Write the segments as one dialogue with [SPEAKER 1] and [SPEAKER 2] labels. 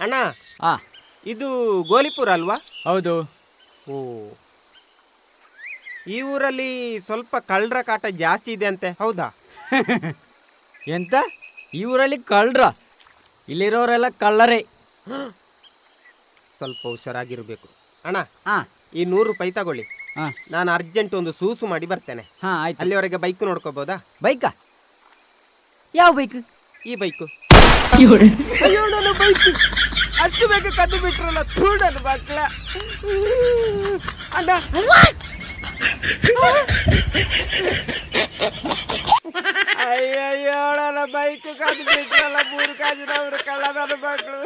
[SPEAKER 1] ಅಣ್ಣ,
[SPEAKER 2] ಆ
[SPEAKER 1] ಇದು ಗೋಲಿಪುರ ಅಲ್ವಾ?
[SPEAKER 2] ಹೌದು.
[SPEAKER 1] ಓ, ಈ ಊರಲ್ಲಿ ಸ್ವಲ್ಪ ಕಳ್ಳರ ಕಾಟ ಜಾಸ್ತಿ ಇದೆ ಅಂತೆ, ಹೌದಾ?
[SPEAKER 2] ಎಂತ? ಈ ಊರಲ್ಲಿ ಕಳ್ಳರ? ಇಲ್ಲಿರೋರೆಲ್ಲ ಕಳ್ಳರೇ.
[SPEAKER 1] ಸ್ವಲ್ಪ ಹುಷಾರಾಗಿರ್ಬೇಕು. ಅಣ್ಣ,
[SPEAKER 2] ಹಾ
[SPEAKER 1] ಈ 100 ರೂಪಾಯಿ ತಗೊಳ್ಳಿ.
[SPEAKER 2] ಹಾ
[SPEAKER 1] ನಾನು ಅರ್ಜೆಂಟ್ ಒಂದು ಸೂಸು ಮಾಡಿ ಬರ್ತೇನೆ.
[SPEAKER 2] ಹಾ ಆಯ್ತು.
[SPEAKER 1] ಅಲ್ಲಿವರೆಗೆ ಬೈಕ್ ನೋಡ್ಕೋಬೋದಾ?
[SPEAKER 2] ಬೈಕಾ? ಯಾವ ಬೈಕ್?
[SPEAKER 1] ಈ ಬೈಕು. ಅಯ್ಯೋ, ನನ್ನ ಬೈಕ್ ಅಷ್ಟು ಬೇಗ ಕದ್ದು ಬಿಟ್ರಲ್ಲ, ನನ್ನ ಮಕ್ಕಳ. ಅಣ್ಣ, ಅಯ್ಯಯ್ಯೋ, ನನ್ನ ಬೈಕ್ ಕದ್ದು ಬಿಟ್ರಲ್ಲ, 3 ಕಾಜಿನವರು ಕಳ್ಳ ನನ್ನ ಮಕ್ಕಳು.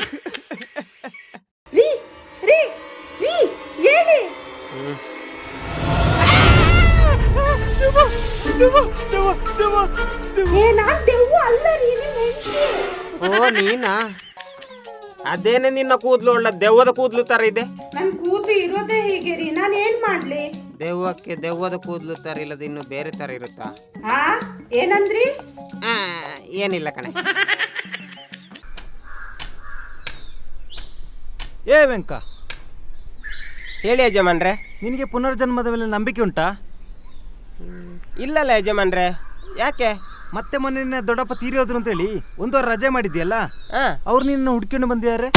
[SPEAKER 1] ಓ, ನೀನಾ? ಅದೇನೆ ನಿನ್ನ ಕೂದಲು ಒಳ್ಳೆ ದೆವ್ವದ ಕೂದಲು ತರ ಇದೆ.
[SPEAKER 3] ನನ್ ಕೂದಲು ಇರೋದೇ ಹೀಗೆ ರೀ, ನಾನು ಏನ್ ಮಾಡ್ಲಿ?
[SPEAKER 1] ದೆವ್ವಕ್ಕೆ ದೆವ್ವದ ಕೂದಲು ತರ ಇಲ್ಲದ ಇನ್ನು ಬೇರೆ ತರ ಇರುತ್ತಾ?
[SPEAKER 3] ಹಾ, ಏನಂದ್ರಿ?
[SPEAKER 1] ಏನಿಲ್ಲ ಕಣೆ.
[SPEAKER 4] ಏ ವೆಂಕ,
[SPEAKER 1] ಹೇಳಿ ಯಜಮಾನ್ರೆ.
[SPEAKER 4] ನಿನಗೆ ಪುನರ್ಜನ್ಮದ ಮೇಲೆ ನಂಬಿಕೆ ಉಂಟಾ?
[SPEAKER 1] ಇಲ್ಲಲ್ಲ ಯಜಮಾನ್ರೆ, ಯಾಕೆ?
[SPEAKER 4] ಮತ್ತೆ ಮೊನ್ನೆ ನಿನ್ನ ದೊಡ್ಡಪ್ಪ ತೀರಿಯೋದ್ರು ಅಂತೇಳಿ 1 ವಾರ ರಜೆ ಮಾಡಿದ್ಯಲ್ಲ, ಅವ್ರು ನಿನ್ನ ಹುಡ್ಕೊಂಡು ಬಂದಿದ್ದಾರೆ.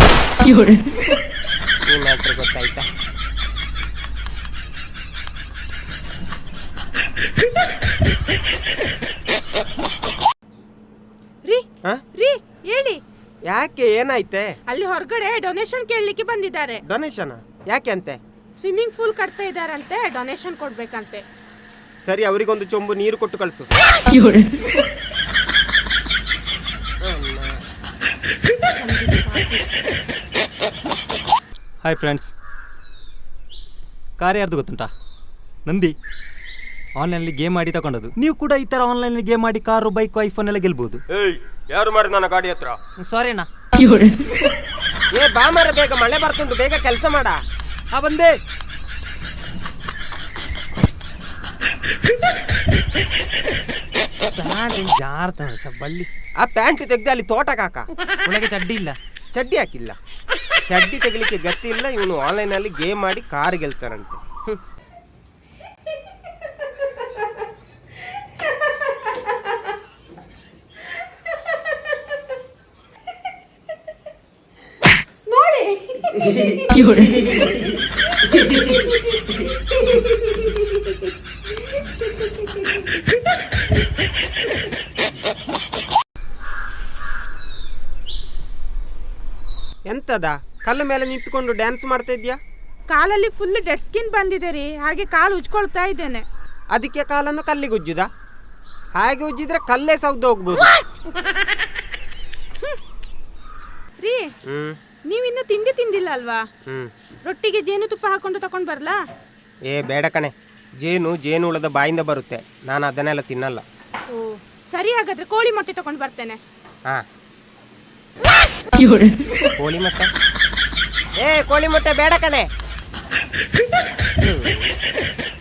[SPEAKER 1] ಈ ಮ್ಯಾಟ್ರ್ ಗೊತ್ತಾಯ್ತಾ?
[SPEAKER 3] ರೀ ಹೇಳಿ.
[SPEAKER 1] ಯಾಕೆ, ಏನಾಯ್ತೆ?
[SPEAKER 3] ಅಲ್ಲಿ ಹೊರಗಡೆ ಡೊನೇಷನ್ ಕೇಳಲಿಕ್ಕೆ ಬಂದಿದ್ದಾರೆ.
[SPEAKER 1] ಡೊನೇಷನ್ ಯಾಕೆ ಅಂತೆ?
[SPEAKER 3] ಸ್ವಿಮ್ಮಿಂಗ್ ಪೂಲ್ ಕಟ್ತಾ ಇದಾರಂತೆ, ಡೊನೇಷನ್ ಕೊಡ್ಬೇಕಂತೆ.
[SPEAKER 1] ಸರಿ, ಅವರಿಗೊಂದು ಚೊಂಬು ನೀರು ಕೊಟ್ಟು ಕಳಿಸು.
[SPEAKER 4] ಹಾಯ್ ಫ್ರೆಂಡ್ಸ್, ಕಾರ್ ಯಾರ್ದು ಗೊತ್ತುಂಟಾ? ನಂದಿ. ಆನ್ಲೈನಲ್ಲಿ ಗೇಮ್ ಮಾಡಿ ತಗೊಂಡದು. ನೀವು ಕೂಡ ಈ ಥರ ಆನ್ಲೈನಲ್ಲಿ ಗೇಮ್ ಮಾಡಿ ಕಾರು, ಬೈಕು, ಐಫೋನ್ ಎಲ್ಲ ಗೆಲ್ಬಹುದು.
[SPEAKER 1] ಯಾರು ಮಾಡಿ ನನ್ನ ಗಾಡಿ ಹತ್ರ?
[SPEAKER 4] ಸಾರಿ ಅಣ್ಣ.
[SPEAKER 1] ಏ ಬಾ ಮಾರ, ಬೇಗ ಮಳೆ ಬರ್ತುಂಟು, ಬೇಗ ಕೆಲಸ ಮಾಡ.
[SPEAKER 4] ಬಂದೆ. ಬಳ್ಳಿ
[SPEAKER 1] ಆ ಪ್ಯಾಂಟ್ ತೆಗ್ದು ಅಲ್ಲಿ ತೋಟಕ್ಕೆ ಹಾಕ.
[SPEAKER 4] ಒಳಗೆ ಚಡ್ಡಿ ಇಲ್ಲ.
[SPEAKER 1] ಚಡ್ಡಿ ಹಾಕಿಲ್ಲ. ಚಡ್ಡಿ ತೆಗಿಲಿಕ್ಕೆ ಗತಿ ಇಲ್ಲ. ಇವನು ಆನ್ಲೈನಲ್ಲಿ ಗೇಮ್ ಮಾಡಿ ಕಾರ್ ಗೆಲ್ತಾರಂತೆ. ಎಂತದ ಕಲ್ಲು ಮೇಲೆ ನಿಂತ್ಕೊಂಡು ಡ್ಯಾನ್ಸ್ ಮಾಡ್ತಾ ಇದ್ಯಾ?
[SPEAKER 3] ಕಾಲಲ್ಲಿ ಫುಲ್ ಡೆಡ್ ಸ್ಕಿನ್ ಬಂದಿದೆ ರೀ, ಹಾಗೆ ಕಾಲು ಉಜ್ಕೊಳ್ತಾ ಇದ್ದೇನೆ.
[SPEAKER 1] ಅದಕ್ಕೆ ಕಾಲನ್ನು ಕಲ್ಲಿಗೆ ಉಜ್ಜುದ? ಹಾಗೆ ಉಜ್ಜಿದ್ರೆ ಕಲ್ಲೇ ಸೌದು ಹೋಗ್ಬೋದು.
[SPEAKER 3] ರೀ, ನೀವಿನ್ನು ತಿಂಡಿ ತಿಂದಿಲ್ಲ ಅಲ್ವಾ? ರೊಟ್ಟಿಗೆ ಜೇನುತುಪ್ಪ ಹಾಕೊಂಡು ತಕೊಂಡ್ ಬರ್ಲಾ?
[SPEAKER 1] ಏ ಬೇಡ ಕಣೆ, ಜೇನು ಹುಳದ ಬಾಯಿಂದ ಬರುತ್ತೆ, ನಾನು ಅದನ್ನೆಲ್ಲ ತಿನ್ನಲ್ಲ.
[SPEAKER 3] ಓ ಸರಿ, ಹಾಗಾದ್ರೆ ಕೋಳಿ ಮೊಟ್ಟೆ ತಕೊಂಡ್ ಬರ್ತೇನೆ.
[SPEAKER 1] ಕೋಳಿ ಮೊಟ್ಟೆ? ಕೋಳಿ ಮೊಟ್ಟೆ ಬೇಡ ಕಣೆ.